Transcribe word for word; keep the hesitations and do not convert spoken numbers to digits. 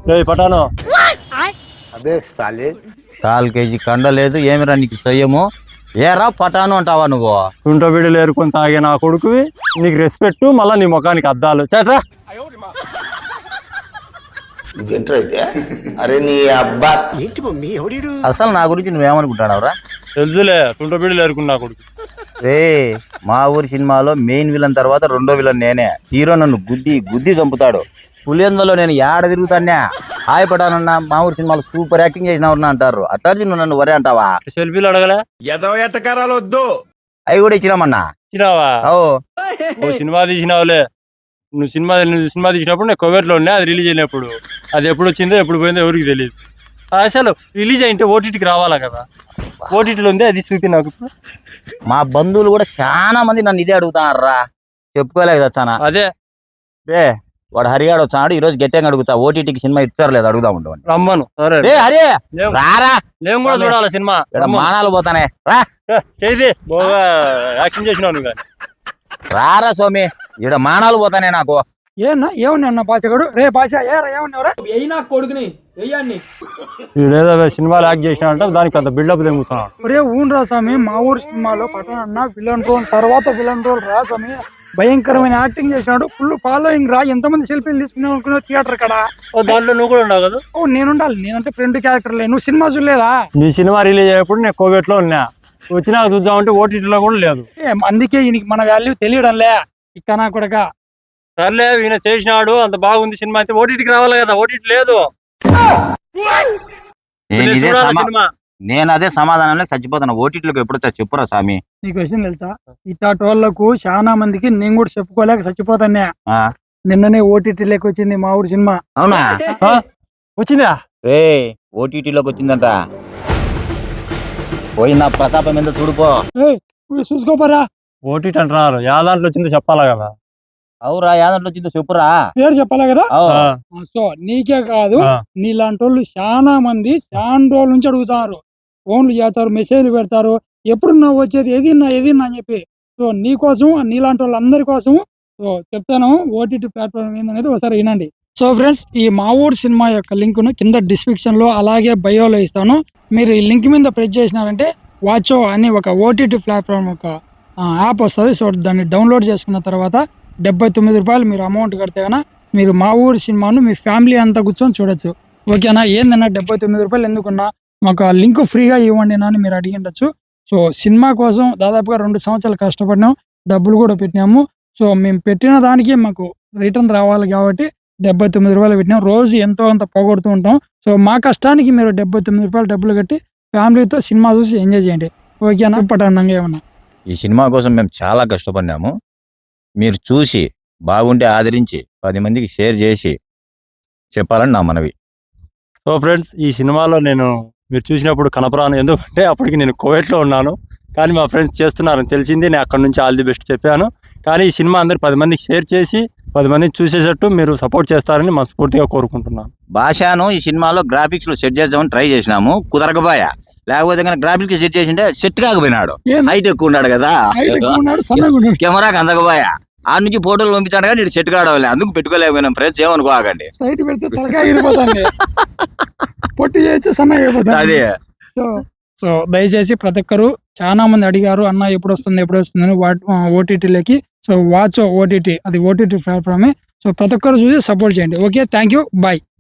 పటాను అదే సాలే call KG కండ లేదు ఏమిరా నీకు సయ్యము ఏరా పటాను అంటావా నువ్వు తుంట బిడ్డలు ఏరుకొని తాగే నా కొడుకువి నీకు రెస్పెక్ట్ మళ్ళా నీ ముఖానికి అద్దాలు చేట్రా అరే నీ అబ్బా అసలు నా గురించి నువ్వేమనుకుంటానవరా తెలుసులే తుంట బిడ్డలు ఏరుకుని నా కొడుకు రే మా ఊరి సినిమాలో మెయిన్ విలన్ తర్వాత రెండో విలన్ నేనే హీరో నన్ను గుద్ది గుద్ది చంపుతాడు పులిందలో నేను ఏడ తిరుగుతానే హాయ్ పటానన్నా మా ఊరి సినిమాలో సూపర్ యాక్టింగ్ చేసినవన్నా అంటారు అట్లాంటి నువ్వు నన్ను వరే అంటావా సెల్ఫీలు అడగలే ఎదవ ఎట్టకారాలు వద్దు అవి కూడా ఇచ్చినామన్నా ఇచ్చినావా ఓ ఓ సినిమా తీసినావులే నువ్వు సినిమా నువ్వు సినిమా తీసినప్పుడు నేను కోవేట్లో ఉన్నా అది రిలీజ్ అయినప్పుడు అది ఎప్పుడు వచ్చిందో ఎప్పుడు పోయిందో ఎవరికి తెలియదు అసలు రిలీజ్ అయింటే ఓటీటీకి రావాలా కదా ఓటీటీలో ఉంది అది చూపి నాకు మా బంధువులు కూడా చాలా మంది నన్ను ఇదే అడుగుతారా చెప్పుకోలేదు వచ్చానా అదే ఏ వాడు హరిగాడు వచ్చాడు ఈ రోజు గట్టిగా అడుగుతా ఓటీటీకి సినిమా ఇచ్చారు లేదు అడుగుదా ఉంటాను రమ్మను సరే ఏ హరి రారా నేను కూడా చూడాలి సినిమా ఇక్కడ మానాలు పోతానే రా చేది బాగా యాక్షన్ చేసినావు నువ్వు కానీ రారా స్వామి ఇక్కడ మానాలు పోతానే నాకు ఏనా ఏమన్నా అన్న బాచగాడు రే బాచా ఏరా ఏమన్నావురా అయినా కొడుకుని వెయ్యండి ఏదో సినిమాలు యాక్ట్ చేసినా అంటే దానికి అంత బిల్డప్ తెంగుతున్నాడు ఒరే ఊన్ రా స్వామి మా ఊరు సినిమాలో పట్టణ విలన్ రోల్ తర్వాత విలన్ రోల్ రా స్వామి భయంకరమైన యాక్టింగ్ చేసినాడు ఫుల్ ఫాలోయింగ్ రా ఎంతమంది సెల్ఫీలు తీసుకున్నావు అనుకున్నావు థియేటర్ కడ దాంట్లో నువ్వు కూడా ఉన్నావు కదా ఓ నేనుండాలి నేనంటే ఫ్రెండ్ క్యారెక్టర్ లే నువ్వు సినిమా చూడలేదా నీ సినిమా రిలీజ్ అయ్యేప్పుడు నేను కోవేట్లో ఉన్నా వచ్చినా చూద్దామంటే ఓటీటీలో కూడా లేదు ఏ అందుకే ఈయనకి మన వాల్యూ తెలియడంలే ఇక్కనా కూడా సర్లే ఈయన చేసినాడు అంత బాగుంది సినిమా అయితే ఓటీటీకి రావాలి కదా ఓటీటీ లేదు నేను ఇదే చూడాలి సమా- సినిమా నేను అదే సమాధానంలో చచ్చిపోతాను ఓటీటీలోకి ఎప్పుడు వచ్చా చెప్పురా స్వామి నీకు విషయం తెలుసా ఇట్లాంటి వాళ్ళకు చాలా మందికి నేను కూడా చెప్పుకోలేక చచ్చిపోతానే ఆ, నిన్ననే ఓటీటీలోకి వచ్చింది మా ఊరు సినిమా అవునా ఆ? వచ్చిందా రే ఓటీటీలోకి వచ్చిందంట పోయి నా ప్రతాపం ఎంత చూడుపో ఏయ్, పోయి చూసుకోపోరా ఓటీటీ అంటున్నారు యా దాంట్లో వచ్చిందో చెప్పాలా కదా అవురా యాదంట్లో వచ్చిందో చెప్పురా పేరు చెప్పాలా కదా అవు. ఆ, సో నీకే కాదు ఆ. నీలాంటి వాళ్ళు చాలా మంది చాలా రోజుల నుంచి అడుగుతారు ఫోన్లు చేస్తారు మెసేజ్లు పెడతారు ఎప్పుడు నా వచ్చేది ఏదిన్నా ఏదిన్నా అని చెప్పి సో నీ కోసం నీలాంటి వాళ్ళందరి కోసం సో చెప్తాను ఓటీటీ ప్లాట్ఫామ్ ఏందనేది ఒకసారి వినండి సో ఫ్రెండ్స్ ఈ మా ఊరు సినిమా యొక్క లింక్ ను కింద డిస్క్రిప్షన్ లో అలాగే బయోలో ఇస్తాను మీరు ఈ లింక్ మీద ప్రెస్ చేసినారంటే వాచో అని ఒక ఓటీటీ ప్లాట్ఫామ్ ఒక యాప్ వస్తుంది సో దాన్ని డౌన్లోడ్ చేసుకున్న తర్వాత డెబ్బై తొమ్మిది రూపాయలు మీరు అమౌంట్ కడితే కన్నా మీరు మా ఊరి సినిమాను మీ ఫ్యామిలీ అంతా కూర్చొని చూడొచ్చు ఓకేనా ఏందన్నా డెబ్బై తొమ్మిది రూపాయలు ఎందుకున్నా మాకు ఆ లింక్ ఫ్రీగా ఇవ్వండి అని మీరు అడిగి ఉండొచ్చు సో సినిమా కోసం దాదాపుగా రెండు సంవత్సరాలు కష్టపడినాం డబ్బులు కూడా పెట్టినాము సో మేము పెట్టిన దానికి మాకు రిటర్న్ రావాలి కాబట్టి డెబ్బై తొమ్మిది రూపాయలు పెట్టినాం రోజు ఎంతో అంత పోగొడుతూ ఉంటాం సో మా కష్టానికి మీరు డెబ్బై తొమ్మిది రూపాయలు డబ్బులు కట్టి ఫ్యామిలీతో సినిమా చూసి ఎంజాయ్ చేయండి ఓకేనా పటానంగా ఏమన్నా ఈ సినిమా కోసం మేము చాలా కష్టపడినాము మీరు చూసి బాగుంటే ఆదరించి పది మందికి షేర్ చేసి చెప్పాలని నా మనవి సో ఫ్రెండ్స్ ఈ సినిమాలో నేను మీరు చూసినప్పుడు కనపరాను ఎందుకంటే అప్పటికి నేను కోవేట్లో ఉన్నాను కానీ మా ఫ్రెండ్స్ చేస్తున్నారని తెలిసింది నేను అక్కడ నుంచి ఆల్ ది బెస్ట్ చెప్పాను కానీ ఈ సినిమా అందరు పది మందికి షేర్ చేసి పది మందికి చూసేటట్టు మీరు సపోర్ట్ చేస్తారని మనస్ఫూర్తిగా కోరుకుంటున్నాను భాషను ఈ సినిమాలో గ్రాఫిక్స్ లో సెట్ చేద్దామని ట్రై చేసినాము కుదరకపోయా లేకపోతే కానీ గ్రాఫిక్స్ సెట్ చేసింటే సెట్ కాకపోయినాడు ఏం? హైట్ ఎక్కువ ఉన్నాడు కదా హైట్ ఎక్కువ ఉన్నాడు, సన్నగా ఉన్నాడు. కెమెరాకి అందకపోయా ఆ నుంచి ఫోటోలు పంపించాడు కానీ ఇటు సెట్ కావడం అందుకు పెట్టుకోలేకపోయినాం ఫ్రెండ్స్ ఏమనుకోకండి సైట్ పెడితే తలకాయ ఎగిరిపోతుంది పొట్టి చేయొచ్చు సన్నగా అయిపోతుంది అదే సో సో దయచేసి ప్రతి ఒక్కరు చాలా మంది అడిగారు అన్న ఎప్పుడు వస్తుంది ఎప్పుడు వస్తుంది అని ఓటీటీలోకి సో వాచ్ ఓటీటీ అది ఓటీటీ ప్లాట్ఫామే సో ప్రతి ఒక్కరు చూసి సపోర్ట్ చేయండి ఓకే థ్యాంక్ యూ బాయ్